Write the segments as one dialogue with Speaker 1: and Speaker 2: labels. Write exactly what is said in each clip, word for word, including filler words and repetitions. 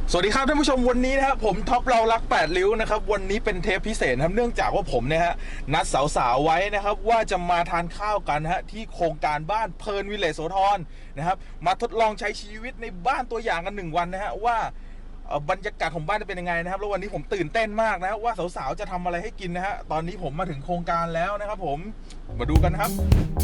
Speaker 1: สวัสดีครับท่านผู้ชมวันนี้นะครับผมท็อปเรารักแปดริ้วนะครับวันนี้เป็นเทปพิเศษครับเนื่องจากว่าผมเนี่ยฮะนัดสาวๆไว้นะครับว่าจะมาทานข้าวกันฮะที่โครงการบ้านเพลินวิลเลจโสธรนะครับมาทดลองใช้ชีวิตในบ้านตัวอย่างกันหนึ่งวันนะฮะว่าบรรยากาศของบ้านจะเป็นยังไงนะครับแล้ววันนี้ผมตื่นเต้นมากนะว่าสาวๆจะทำอะไรให้กินนะฮะตอนนี้ผมมาถึงโครงการแล้วนะครับผมมาดูกันครับ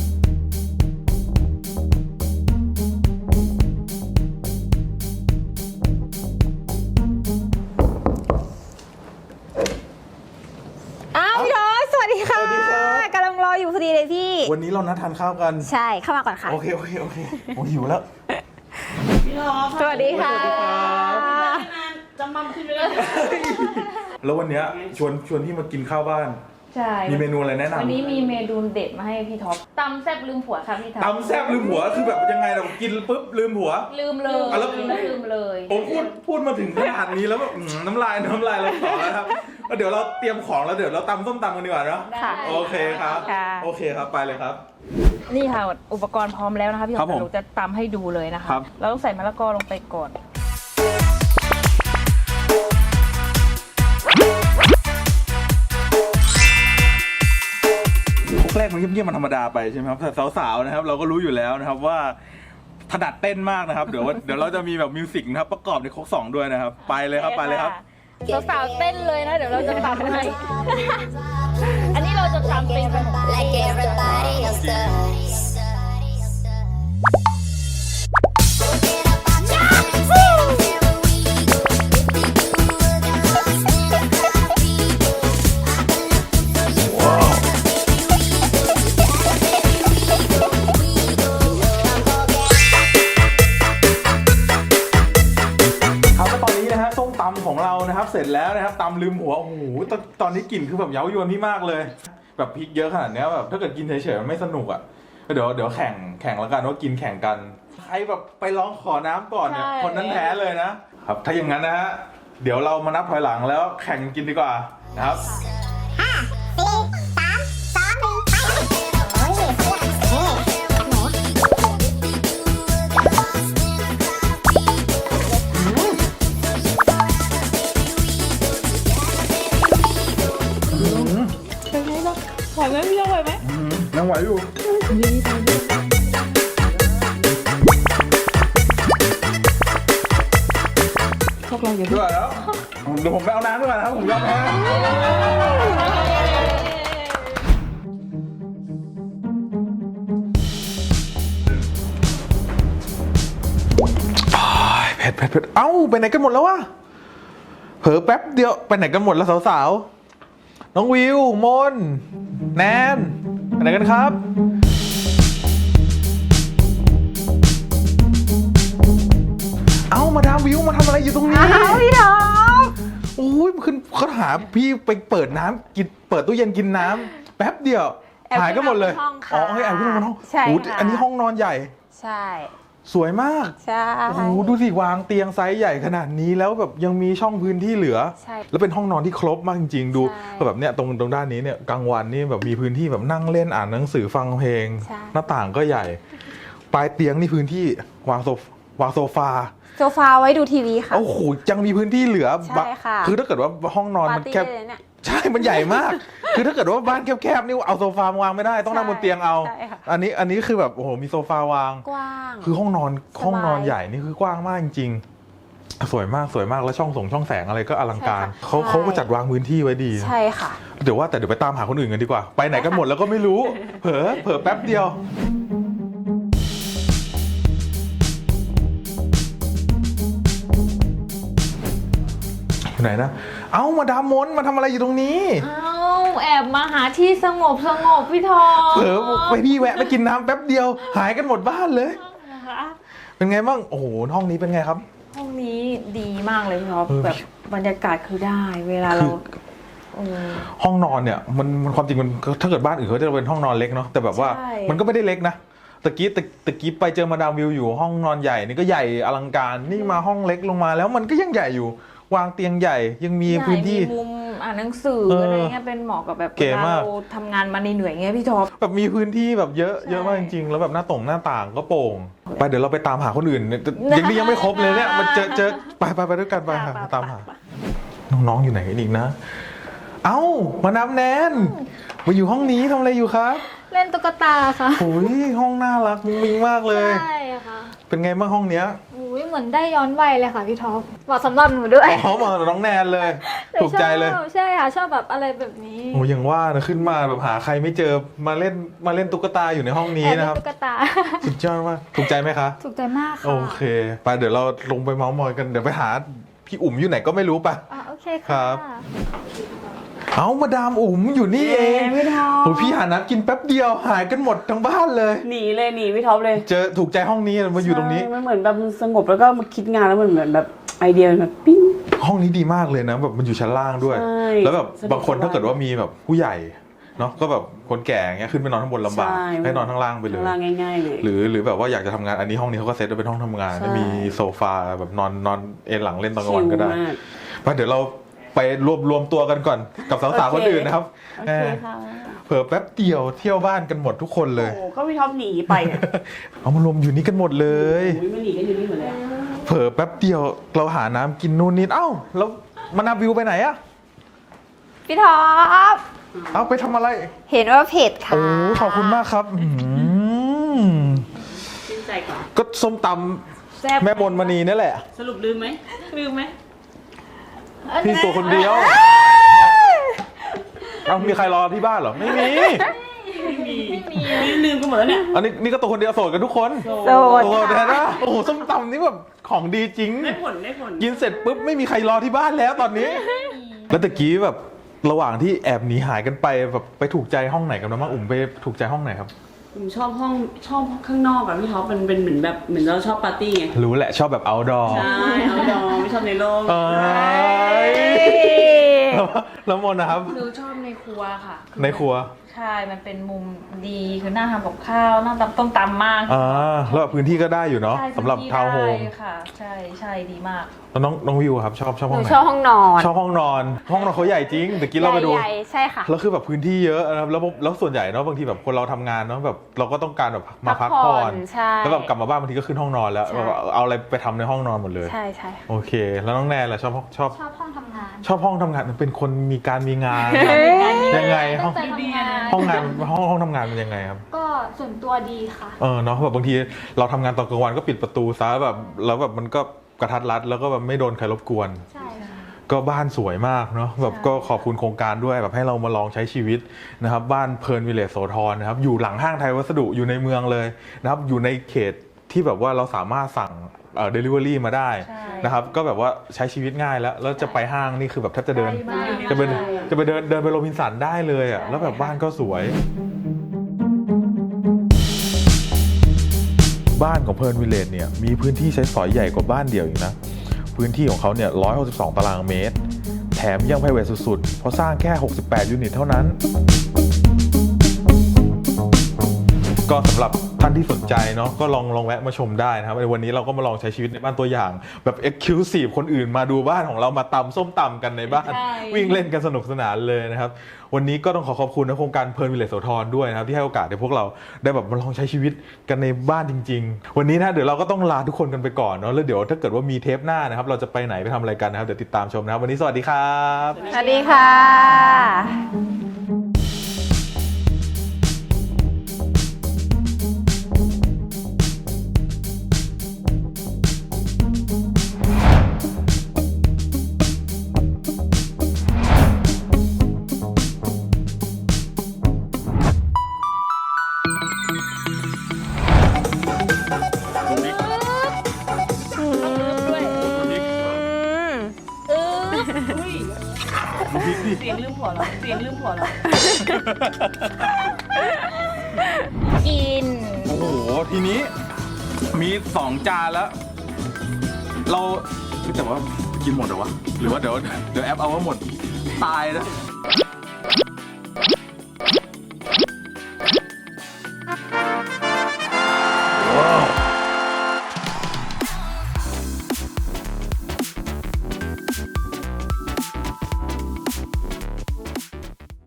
Speaker 2: กำลังรออยู่พอดีเลยพี่
Speaker 1: วันนี้เรานัดทานข้าวกัน
Speaker 2: ใช่เข้ามาก่อนค่ะ
Speaker 1: โอเคโอเคโอเคโอ้หิวแล้ว
Speaker 2: พี่รอสวัสดีค่ะ
Speaker 3: จำมั่มขึ้นไม่ได้
Speaker 1: แล้ววันนี้ชวนชวนพี่มากินข้าวบ้าน
Speaker 3: ใช่
Speaker 1: มีเมนูอะไรแนะนำ
Speaker 3: วันนี้มีเมนูเด็ดมาให้พี่ท็อปตำแซ่บลืมผัวค่ะพี่ท็อป
Speaker 1: ตำแซ่บลืมผัวคือแบบยังไงเรากินปุ๊บลืมผัว
Speaker 3: ลืมเลย
Speaker 1: แล้ว
Speaker 3: ลืมเลย
Speaker 1: ผมพูดพูดมาถึงขนาดนี้แล้วแบบน้ำลายน้ำลายเราต่อแล้วครับเดี๋ยวเราเตรียมของแล้วเดี๋ยวเราตำส้มตำกันดีกว่าเนาะโอเคครับโอเคครับไปเลยครับ
Speaker 3: นี่ค่ะอุปกรณ์พร้อมแล้วนะคะพี่ท็อปเราจะตำให้ดูเลยนะคะเราต้องใส่มะละกอลงไปก่อน
Speaker 1: แรกมันเงียบๆมันธรรมดาไปใช่ไหมครับแต่สาวๆนะครับเราก็รู้อยู่แล้วนะครับว่าถนัดเต้นมากนะครับเดี๋ยวเดี๋ยวเราจะมีแบบมิวสิกนะครับประกอบในโค้กสองด้วยนะครับไปเลยครับไปเลยครับ
Speaker 3: สาวๆเต้นเลยนะเดี๋ยวเราจะตำให้อันนี้เราจะตำเป็นแบบ
Speaker 1: ของเรานะครับเสร็จแล้วนะครับตำลืมหัวโอ้โหต, ตอนนี้กลิ่นคือแบบเย้ายวนพี่มากเลยแบบพริกเยอะขนาดนี้แบบถ้าเกิดกินเฉยๆมันไม่สนุกอ่ะเดี๋ยวเดี๋ยวแข่งแข่งแล้วกันว่ากินแข่งกันใครแบบไปร้องขอน้ำก่อนเนี่ยคนนั้นแพ้เลยนะครับถ้าอย่างนั้นนะฮะเดี๋ยวเรามานับถอยหลังแล้วแข่งกินดีกว่านะครับ
Speaker 2: ห้าสี่สามสองหนึ่งไปโอ้ยเฮ้หนู
Speaker 3: ไหวไหมพี่เราไหวไหม
Speaker 1: ยังไหวอยู่
Speaker 3: พวกเราอย่า
Speaker 1: ด้วยแล้วเดี๋ยวผมไปเอาน้ำด้วยนะครับผมยอมแพ้เผ็ดเผ็ดเผ็ดเอ้าไปไหนกันหมดแล้ววะเผลอแป๊บเดียวไปไหนกันหมดแล้วสาวๆน้องวิวมนแนนไปไหนกันครับเอ้ามาดามวิวมาทำอะไรอยู่ตรงนี้
Speaker 2: อ้าวพี่ท็อป
Speaker 1: โอ้ยขึ้นเขาหาพี่ไปเปิดน้ำกินเปิดตู้เย็นกินน้ำแป๊บเดียวหายก็หมดเลยอ๋อให้แอบขึ้นมาห้อง
Speaker 2: ใช่ค่ะ
Speaker 1: อันนี้ห้องนอนใหญ่
Speaker 2: ใช่
Speaker 1: สวยมาก
Speaker 2: ใช่
Speaker 1: โอ้โหดูสิวางเตียงไซส์ใหญ่ขนาดนี้แล้วแบบยังมีช่องพื้นที่เหลือ
Speaker 2: ใช่
Speaker 1: แล้วเป็นห้องนอนที่ครบมากจริงๆดูแบบเนี้ยตรงตรงด้านนี้เนี่ยกลางวันนี่แบบมีพื้นที่แบบนั่งเล่นอ่านหนังสือฟังเพลงหน้าต่างก็ใหญ่ปลายเตียงนี่พื้นที่วางโซฟวางโซฟา
Speaker 2: โซฟาไว้ดูทีวีค่ะ
Speaker 1: โอ้โหยังมีพื้นที่เหลือ
Speaker 2: ใช่ค่ะ
Speaker 1: คือถ้าเกิดว่าห้องนอนมันแคบใช่มันใหญ่มากคือถ้าเกิดว่าบ้านแคบๆนี่เอาโซฟาวางไม่ได้ต้องนั่งบนเตียงเอาอันนี้อันนี้คือแบบโอ้โหมีโซฟาวาง
Speaker 2: กว้าง
Speaker 1: คือห้องนอนห้องนอนใหญ่นี่คือกว้างมากจริงๆสวยมากสวยมากแล้วช่องส่งช่องแสงอะไรก็อลังการเขาเขาก็จัดวางพื้นที่ไว้ดี
Speaker 2: ใช่ค่ะ
Speaker 1: เดี๋ยวว่าแต่เดี๋ยวไปตามหาคนอื่นกันดีกว่าไปไหนกันหมดแล้วก็ไม่รู้เผลอเผลอแป๊บเดียวไหนนะเอ้ามาดามมนมาทำอะไรอยู่ตรงนี้
Speaker 3: เอ้าแอบมาหาที่สงบสงบพี่ทอ
Speaker 1: เผลอไปพี่แวะไปกินน้ำแป๊บเดียวหายกันหมดบ้านเลยเป็นไงบ้างโอ้โหห้องนี้เป็นไงครับ
Speaker 3: ห้องนี้ดีมากเลยพี่ท็อปแบบบรรยากาศคือได้เวลาเรา
Speaker 1: ห้องนอนเนี่ยมันมันความจริงมันถ้าเกิดบ้านอื่นเขาจะเป็นห้องนอนเล็กเนาะแต่แบบว่ามันก็ไม่ได้เล็กนะตะกี้ตะกี้ไปเจอมาดามวิวอยู่ห้องนอนใหญ่นี่ก็ใหญ่อลังการนี่มาห้องเล็กลงมาแล้วมันก็ยังใหญ่อยู่วางเตียงใหญ่ยังมีพื้นที่
Speaker 3: มุมอ่าหนังสือ
Speaker 1: เอออ
Speaker 3: อะไรเงี้ยเป็นเหมาะกับแบบ
Speaker 1: เก๋
Speaker 3: เวลาม
Speaker 1: าก
Speaker 3: เราทำงานมาเหนื่อยๆเงี้ยพี่ท็อป
Speaker 1: แบบมีพื้นที่แบบเยอะ
Speaker 3: ใช่
Speaker 1: เยอะมากจริงๆแล้วแบบหน้าต่งหน้าต่างก็โปร่งไปเดี๋ยวเราไปตามหาคนอื่นเนี่ยยังนี่ยังไม่ครบเลยเนี่ยมันเจอเจอไปไปไปด้วยกันไปหาตามหาน้องๆอยู่ไหนกันอีกนะ เอ้ามานับแนนมาอยู่ห้องนี้ทำอะไรอยู่ครับ
Speaker 4: เล่นตุ๊กตาค่ะ
Speaker 1: โอ้ยห้องน่ารักมุ้งมิ้งมากเลย
Speaker 4: ใช่ค่ะ
Speaker 1: เป็นไงบ้างห้องเนี้ย
Speaker 4: อุ้ยเหมือนได้ย้อนวัยเลยค่ะพี่ท็อปเหมาะสำหรับหนูด้วย
Speaker 1: อ๋อมาน้องแนนเลย ถูกใจเลย
Speaker 4: ชอบใช่ค่ะชอบแบบอะไรแบบนี้
Speaker 1: โอ้ยังว่านะขึ้นมาแบบหาใครไม่เจอมาเล่นมาเล่นตุ๊กตาอยู่ในห้องนี้
Speaker 4: แอบเล่
Speaker 1: นะครับ
Speaker 4: นตุ๊กตา
Speaker 1: สุดยอดมากถูกใจไหมคะ
Speaker 4: ถูกใจมากค่ะ
Speaker 1: โอเคไปเดี๋ยวเราลงไปเมาส์มอยกันเดี๋ยวไปหาพี่อุ๋มอยู่ไหนก็ไม่รู้ปะ
Speaker 4: อ่ะโอเค
Speaker 1: ครั
Speaker 4: ค่ะ
Speaker 1: บ เอามาดามอุ๋มอยู่นี่เอง
Speaker 5: พี่ท็อป
Speaker 1: โอ้พี่หาน้ำกินแป๊บเดียวหายกันหมดทั้งบ้านเลย
Speaker 5: หนีเลยหนีพี่ท็อปเลย
Speaker 1: เจอถูกใจห้องนี้มาอยู่ตรงนี้
Speaker 5: ใช่มันเหมือนแบบสงบแล้วก็มาคิดงานแล้วมันเหมือนแบบไอเดียมันแบบปิ้ง
Speaker 1: ห้องนี้ดีมากเลยนะแบบมันอยู่ชั้นล่างด้วย
Speaker 5: ใช่
Speaker 1: แล้วแบบ
Speaker 5: สะดวก
Speaker 1: บางคน
Speaker 5: สบาย
Speaker 1: ถ้าเกิดว่ามีแบบผู้ใหญ่เนาะก็แบบคนแก่เงี้ยขึ้นไปนอนข้างบนลำบาก
Speaker 5: ใช่
Speaker 1: ให้นอนข้างล่างไปเลย
Speaker 5: ข้างล่างง่ายๆเลย
Speaker 1: หรือหรือแบบว่าอยากจะทำงานอันนี้ห้องนี้เขาก็เซตไว้เป็นห้องทำงาน
Speaker 5: ใช่
Speaker 1: มีโซฟาแบบนอนนอนเอนหลังเล่นตอนกลางวันก็ได้
Speaker 5: ชิลมาก
Speaker 1: ไปเดี๋ยวเราไปรวมรวมตัวกันก่อนกับสาวๆ
Speaker 5: โอ
Speaker 1: คน
Speaker 5: เค
Speaker 1: อื่นนะครับ
Speaker 5: โอเคค่ะ
Speaker 1: เผื่อแป๊บเดียวเที่ยวบ้านกันหมดทุกคนเลย
Speaker 5: โอ้ก็พี่ท็อปหนีไปอะ
Speaker 1: เอามารวมอยู่นี่กันหมดเลย
Speaker 5: โอ้ยไม่หนีกันอยู่นี่หมดเลย
Speaker 1: เผลอแป๊บเดียวเราหาน้ำกินนู่นนี่เอ้าแล้วมานาวิวไปไหนอะ
Speaker 4: พี่ท็อป
Speaker 1: เอ้าไปทำอะไร
Speaker 4: เห็นว่าเผ็ดค่ะ
Speaker 1: โอ้ขอบคุณมากครับอื้อหือ
Speaker 5: ชื่นใจก่อน
Speaker 1: ก็ส้มต
Speaker 3: แซ่บ
Speaker 1: ำแม่บนมณีนี่แหละ
Speaker 5: สรุปลืมไหม
Speaker 3: ลืมไหม
Speaker 1: พี่ตัวคนเดียวเอ้ามีใครรอที่บ้านเหรอไม่มี
Speaker 5: ไม่มีนี่ลืมกันหมดแล้วเนี่ย
Speaker 1: อันนี้นี่ก็ตัวคนเดียวโสดกันทุกคน
Speaker 4: โส
Speaker 1: โอ้
Speaker 4: ด
Speaker 1: โห
Speaker 4: ค่ะ
Speaker 1: แต่นะโอ้โหส้มตำนี่แบบของดีจริง
Speaker 5: ได้ผลได้ผล
Speaker 1: กินเสร็จปุ๊บไม่มีใครรอที่บ้านแล้วตอนนี้ แล้วตะกี้แบบระหว่างที่แอบหนีหายกันไปแบบไปถูกใจห้องไหนกันบ้างอุ่มไปถูกใจห้องไหนครับ
Speaker 5: ผมชอบห้องชอบข้างนอกอะพี่ท็อปมันเป็นเหมือนแบบเหมือนเราชอบปาร์ตี้ไง
Speaker 1: รู้แหละชอบแบบ outdoor
Speaker 5: ใช่เอาดองไม่ชอบในโลก
Speaker 1: เอ้ยแล้วแล้วมนนะครับ
Speaker 3: หนูชอบในครัวค่ะ
Speaker 1: ในครัว
Speaker 3: ใช่มันเป็นมุมดีคือหน้าทำกับข้าวหน้าตำต้มตำมาก
Speaker 1: อ่าแล้วแบบพื้นที่ก็ได้อยู่เนาะ
Speaker 3: ใช่
Speaker 1: สำหรับ
Speaker 3: พื้นที่
Speaker 1: ทาวน์โฮม
Speaker 3: ได้ค่ะ ใช่ใช่ดีมาก
Speaker 1: แล้วน้องน้องวิวครับชอบชอบ
Speaker 4: ห
Speaker 1: ห้อ
Speaker 4: นู
Speaker 1: งไหน
Speaker 4: ชอบห้องนอน
Speaker 1: ชอบห้องนอน ห้องนอนเขาใหญ่จริงแต่กี้เราไปดู
Speaker 4: ใหญ่ๆใช่ค่ะ
Speaker 1: แล้วคือแบบพื้นที่เยอะนะครับแล้วแล้วส่วนใหญ่เนาะบางทีแบบคนเราทำงานเนาะแบบเราก็ต้องการแบบมาพักผ่อน
Speaker 4: ใช่
Speaker 1: แล้วแบบกลับมาบ้านบางทีก็ขึ้นห้องนอนแล้ว
Speaker 4: ใช่
Speaker 1: แบบเอาอะไรไปทำในห้องนอนหมดเลย
Speaker 4: ใช่ใช่
Speaker 1: โอเค แล้วน้องแนนล่ะชอบชอบ
Speaker 4: ชอบห้องทำงาน
Speaker 1: ชอบห้องทำงานเป็นคนมีการมีงานยังไงห้
Speaker 4: ตั้
Speaker 1: อง
Speaker 4: งใจทำงาน
Speaker 1: ห้องงานห้องห้องทำงานเป็นยังไงครับ
Speaker 4: ก็ส่วนตัวดีค่ะ
Speaker 1: เออเนาะแบบบางทีเราทำงานตอนกลางวันก็ปิดประตูซะแบบแล้วแบบมันก็กระทัดรัดแล้วก็แบบไม่โดนใครรบกวน
Speaker 4: ใช่ค่ะ
Speaker 1: ก็บ้านสวยมากเนาะแบบก็ขอบคุณโครงการด้วยแบบให้เรามาลองใช้ชีวิตนะครับบ้านเพลินวิลเลจโสธรนะครับอยู่หลังห้างไทยวัสดุอยู่ในเมืองเลยนะครับอยู่ในเขตที่แบบว่าเราสามารถสั่งเอ่อ delivery มาได้
Speaker 3: ใช่
Speaker 1: นะครับก็แบบว่าใช้ชีวิตง่ายแล้วแล้วจะไปห้างนี่คือแบบแทบจะเดิน
Speaker 3: ใกล้มาก
Speaker 1: จะไปจะไปเดินเดินไปโรบินสันได้เลยอ่ะ
Speaker 3: ใช่
Speaker 1: แล้วแบบบ้านก็สวย บ้านของเพลินวิลเลจเนี่ยมีพื้นที่ใช้สอยใหญ่กว่าบ้านเดี่ยวอีกนะพื้นที่ของเขาเนี่ยหนึ่งร้อยหกสิบสองตารางเมตร แถมยังไพรเวทสุดๆ เพราะสร้างแค่หกสิบแปดยูนิตเท่านั้น ก็สำหรับท่านที่สนใจเนาะก็ลองลองแวะมาชมได้นะครับในวันนี้เราก็มาลองใช้ชีวิตในบ้านตัวอย่าง แบบ Exclusive คนอื่นมาดูบ้านของเรามาตำส้มตำกันในบ้าน
Speaker 3: ใช่
Speaker 1: วิ่งเล่นกันสนุกสนานเลยนะครับวันนี้ก็ต้องขอขอบคุณนะโครงการเพลินวิลเลจโสธรด้วยนะครับที่ให้โอกาสให้พวกเราได้แบบมาลองใช้ชีวิตกันในบ้านจริง ๆ วันนี้นะเดี๋ยวเราก็ต้องลาทุกคนกันไปก่อนเนาะแล้วเดี๋ยวถ้าเกิดว่ามีเทปหน้านะครับเราจะไปไหนไปทำอะไรกันนะครับเดี๋ยวติดตามชมนะครับวันนี้สวัสดีครับ
Speaker 4: สวัสดีค่ะ
Speaker 5: เสียงลืมผัวเหรอเสียงลืมผัวเหรอ
Speaker 4: กิน
Speaker 1: โอ้โหทีนี้มีสองจานแล้ว เราแต่ว่ากินหมดเหรอวะหรือว่าเดี๋ยวเดี๋ยวแอปเอาว่าหมดตายนะ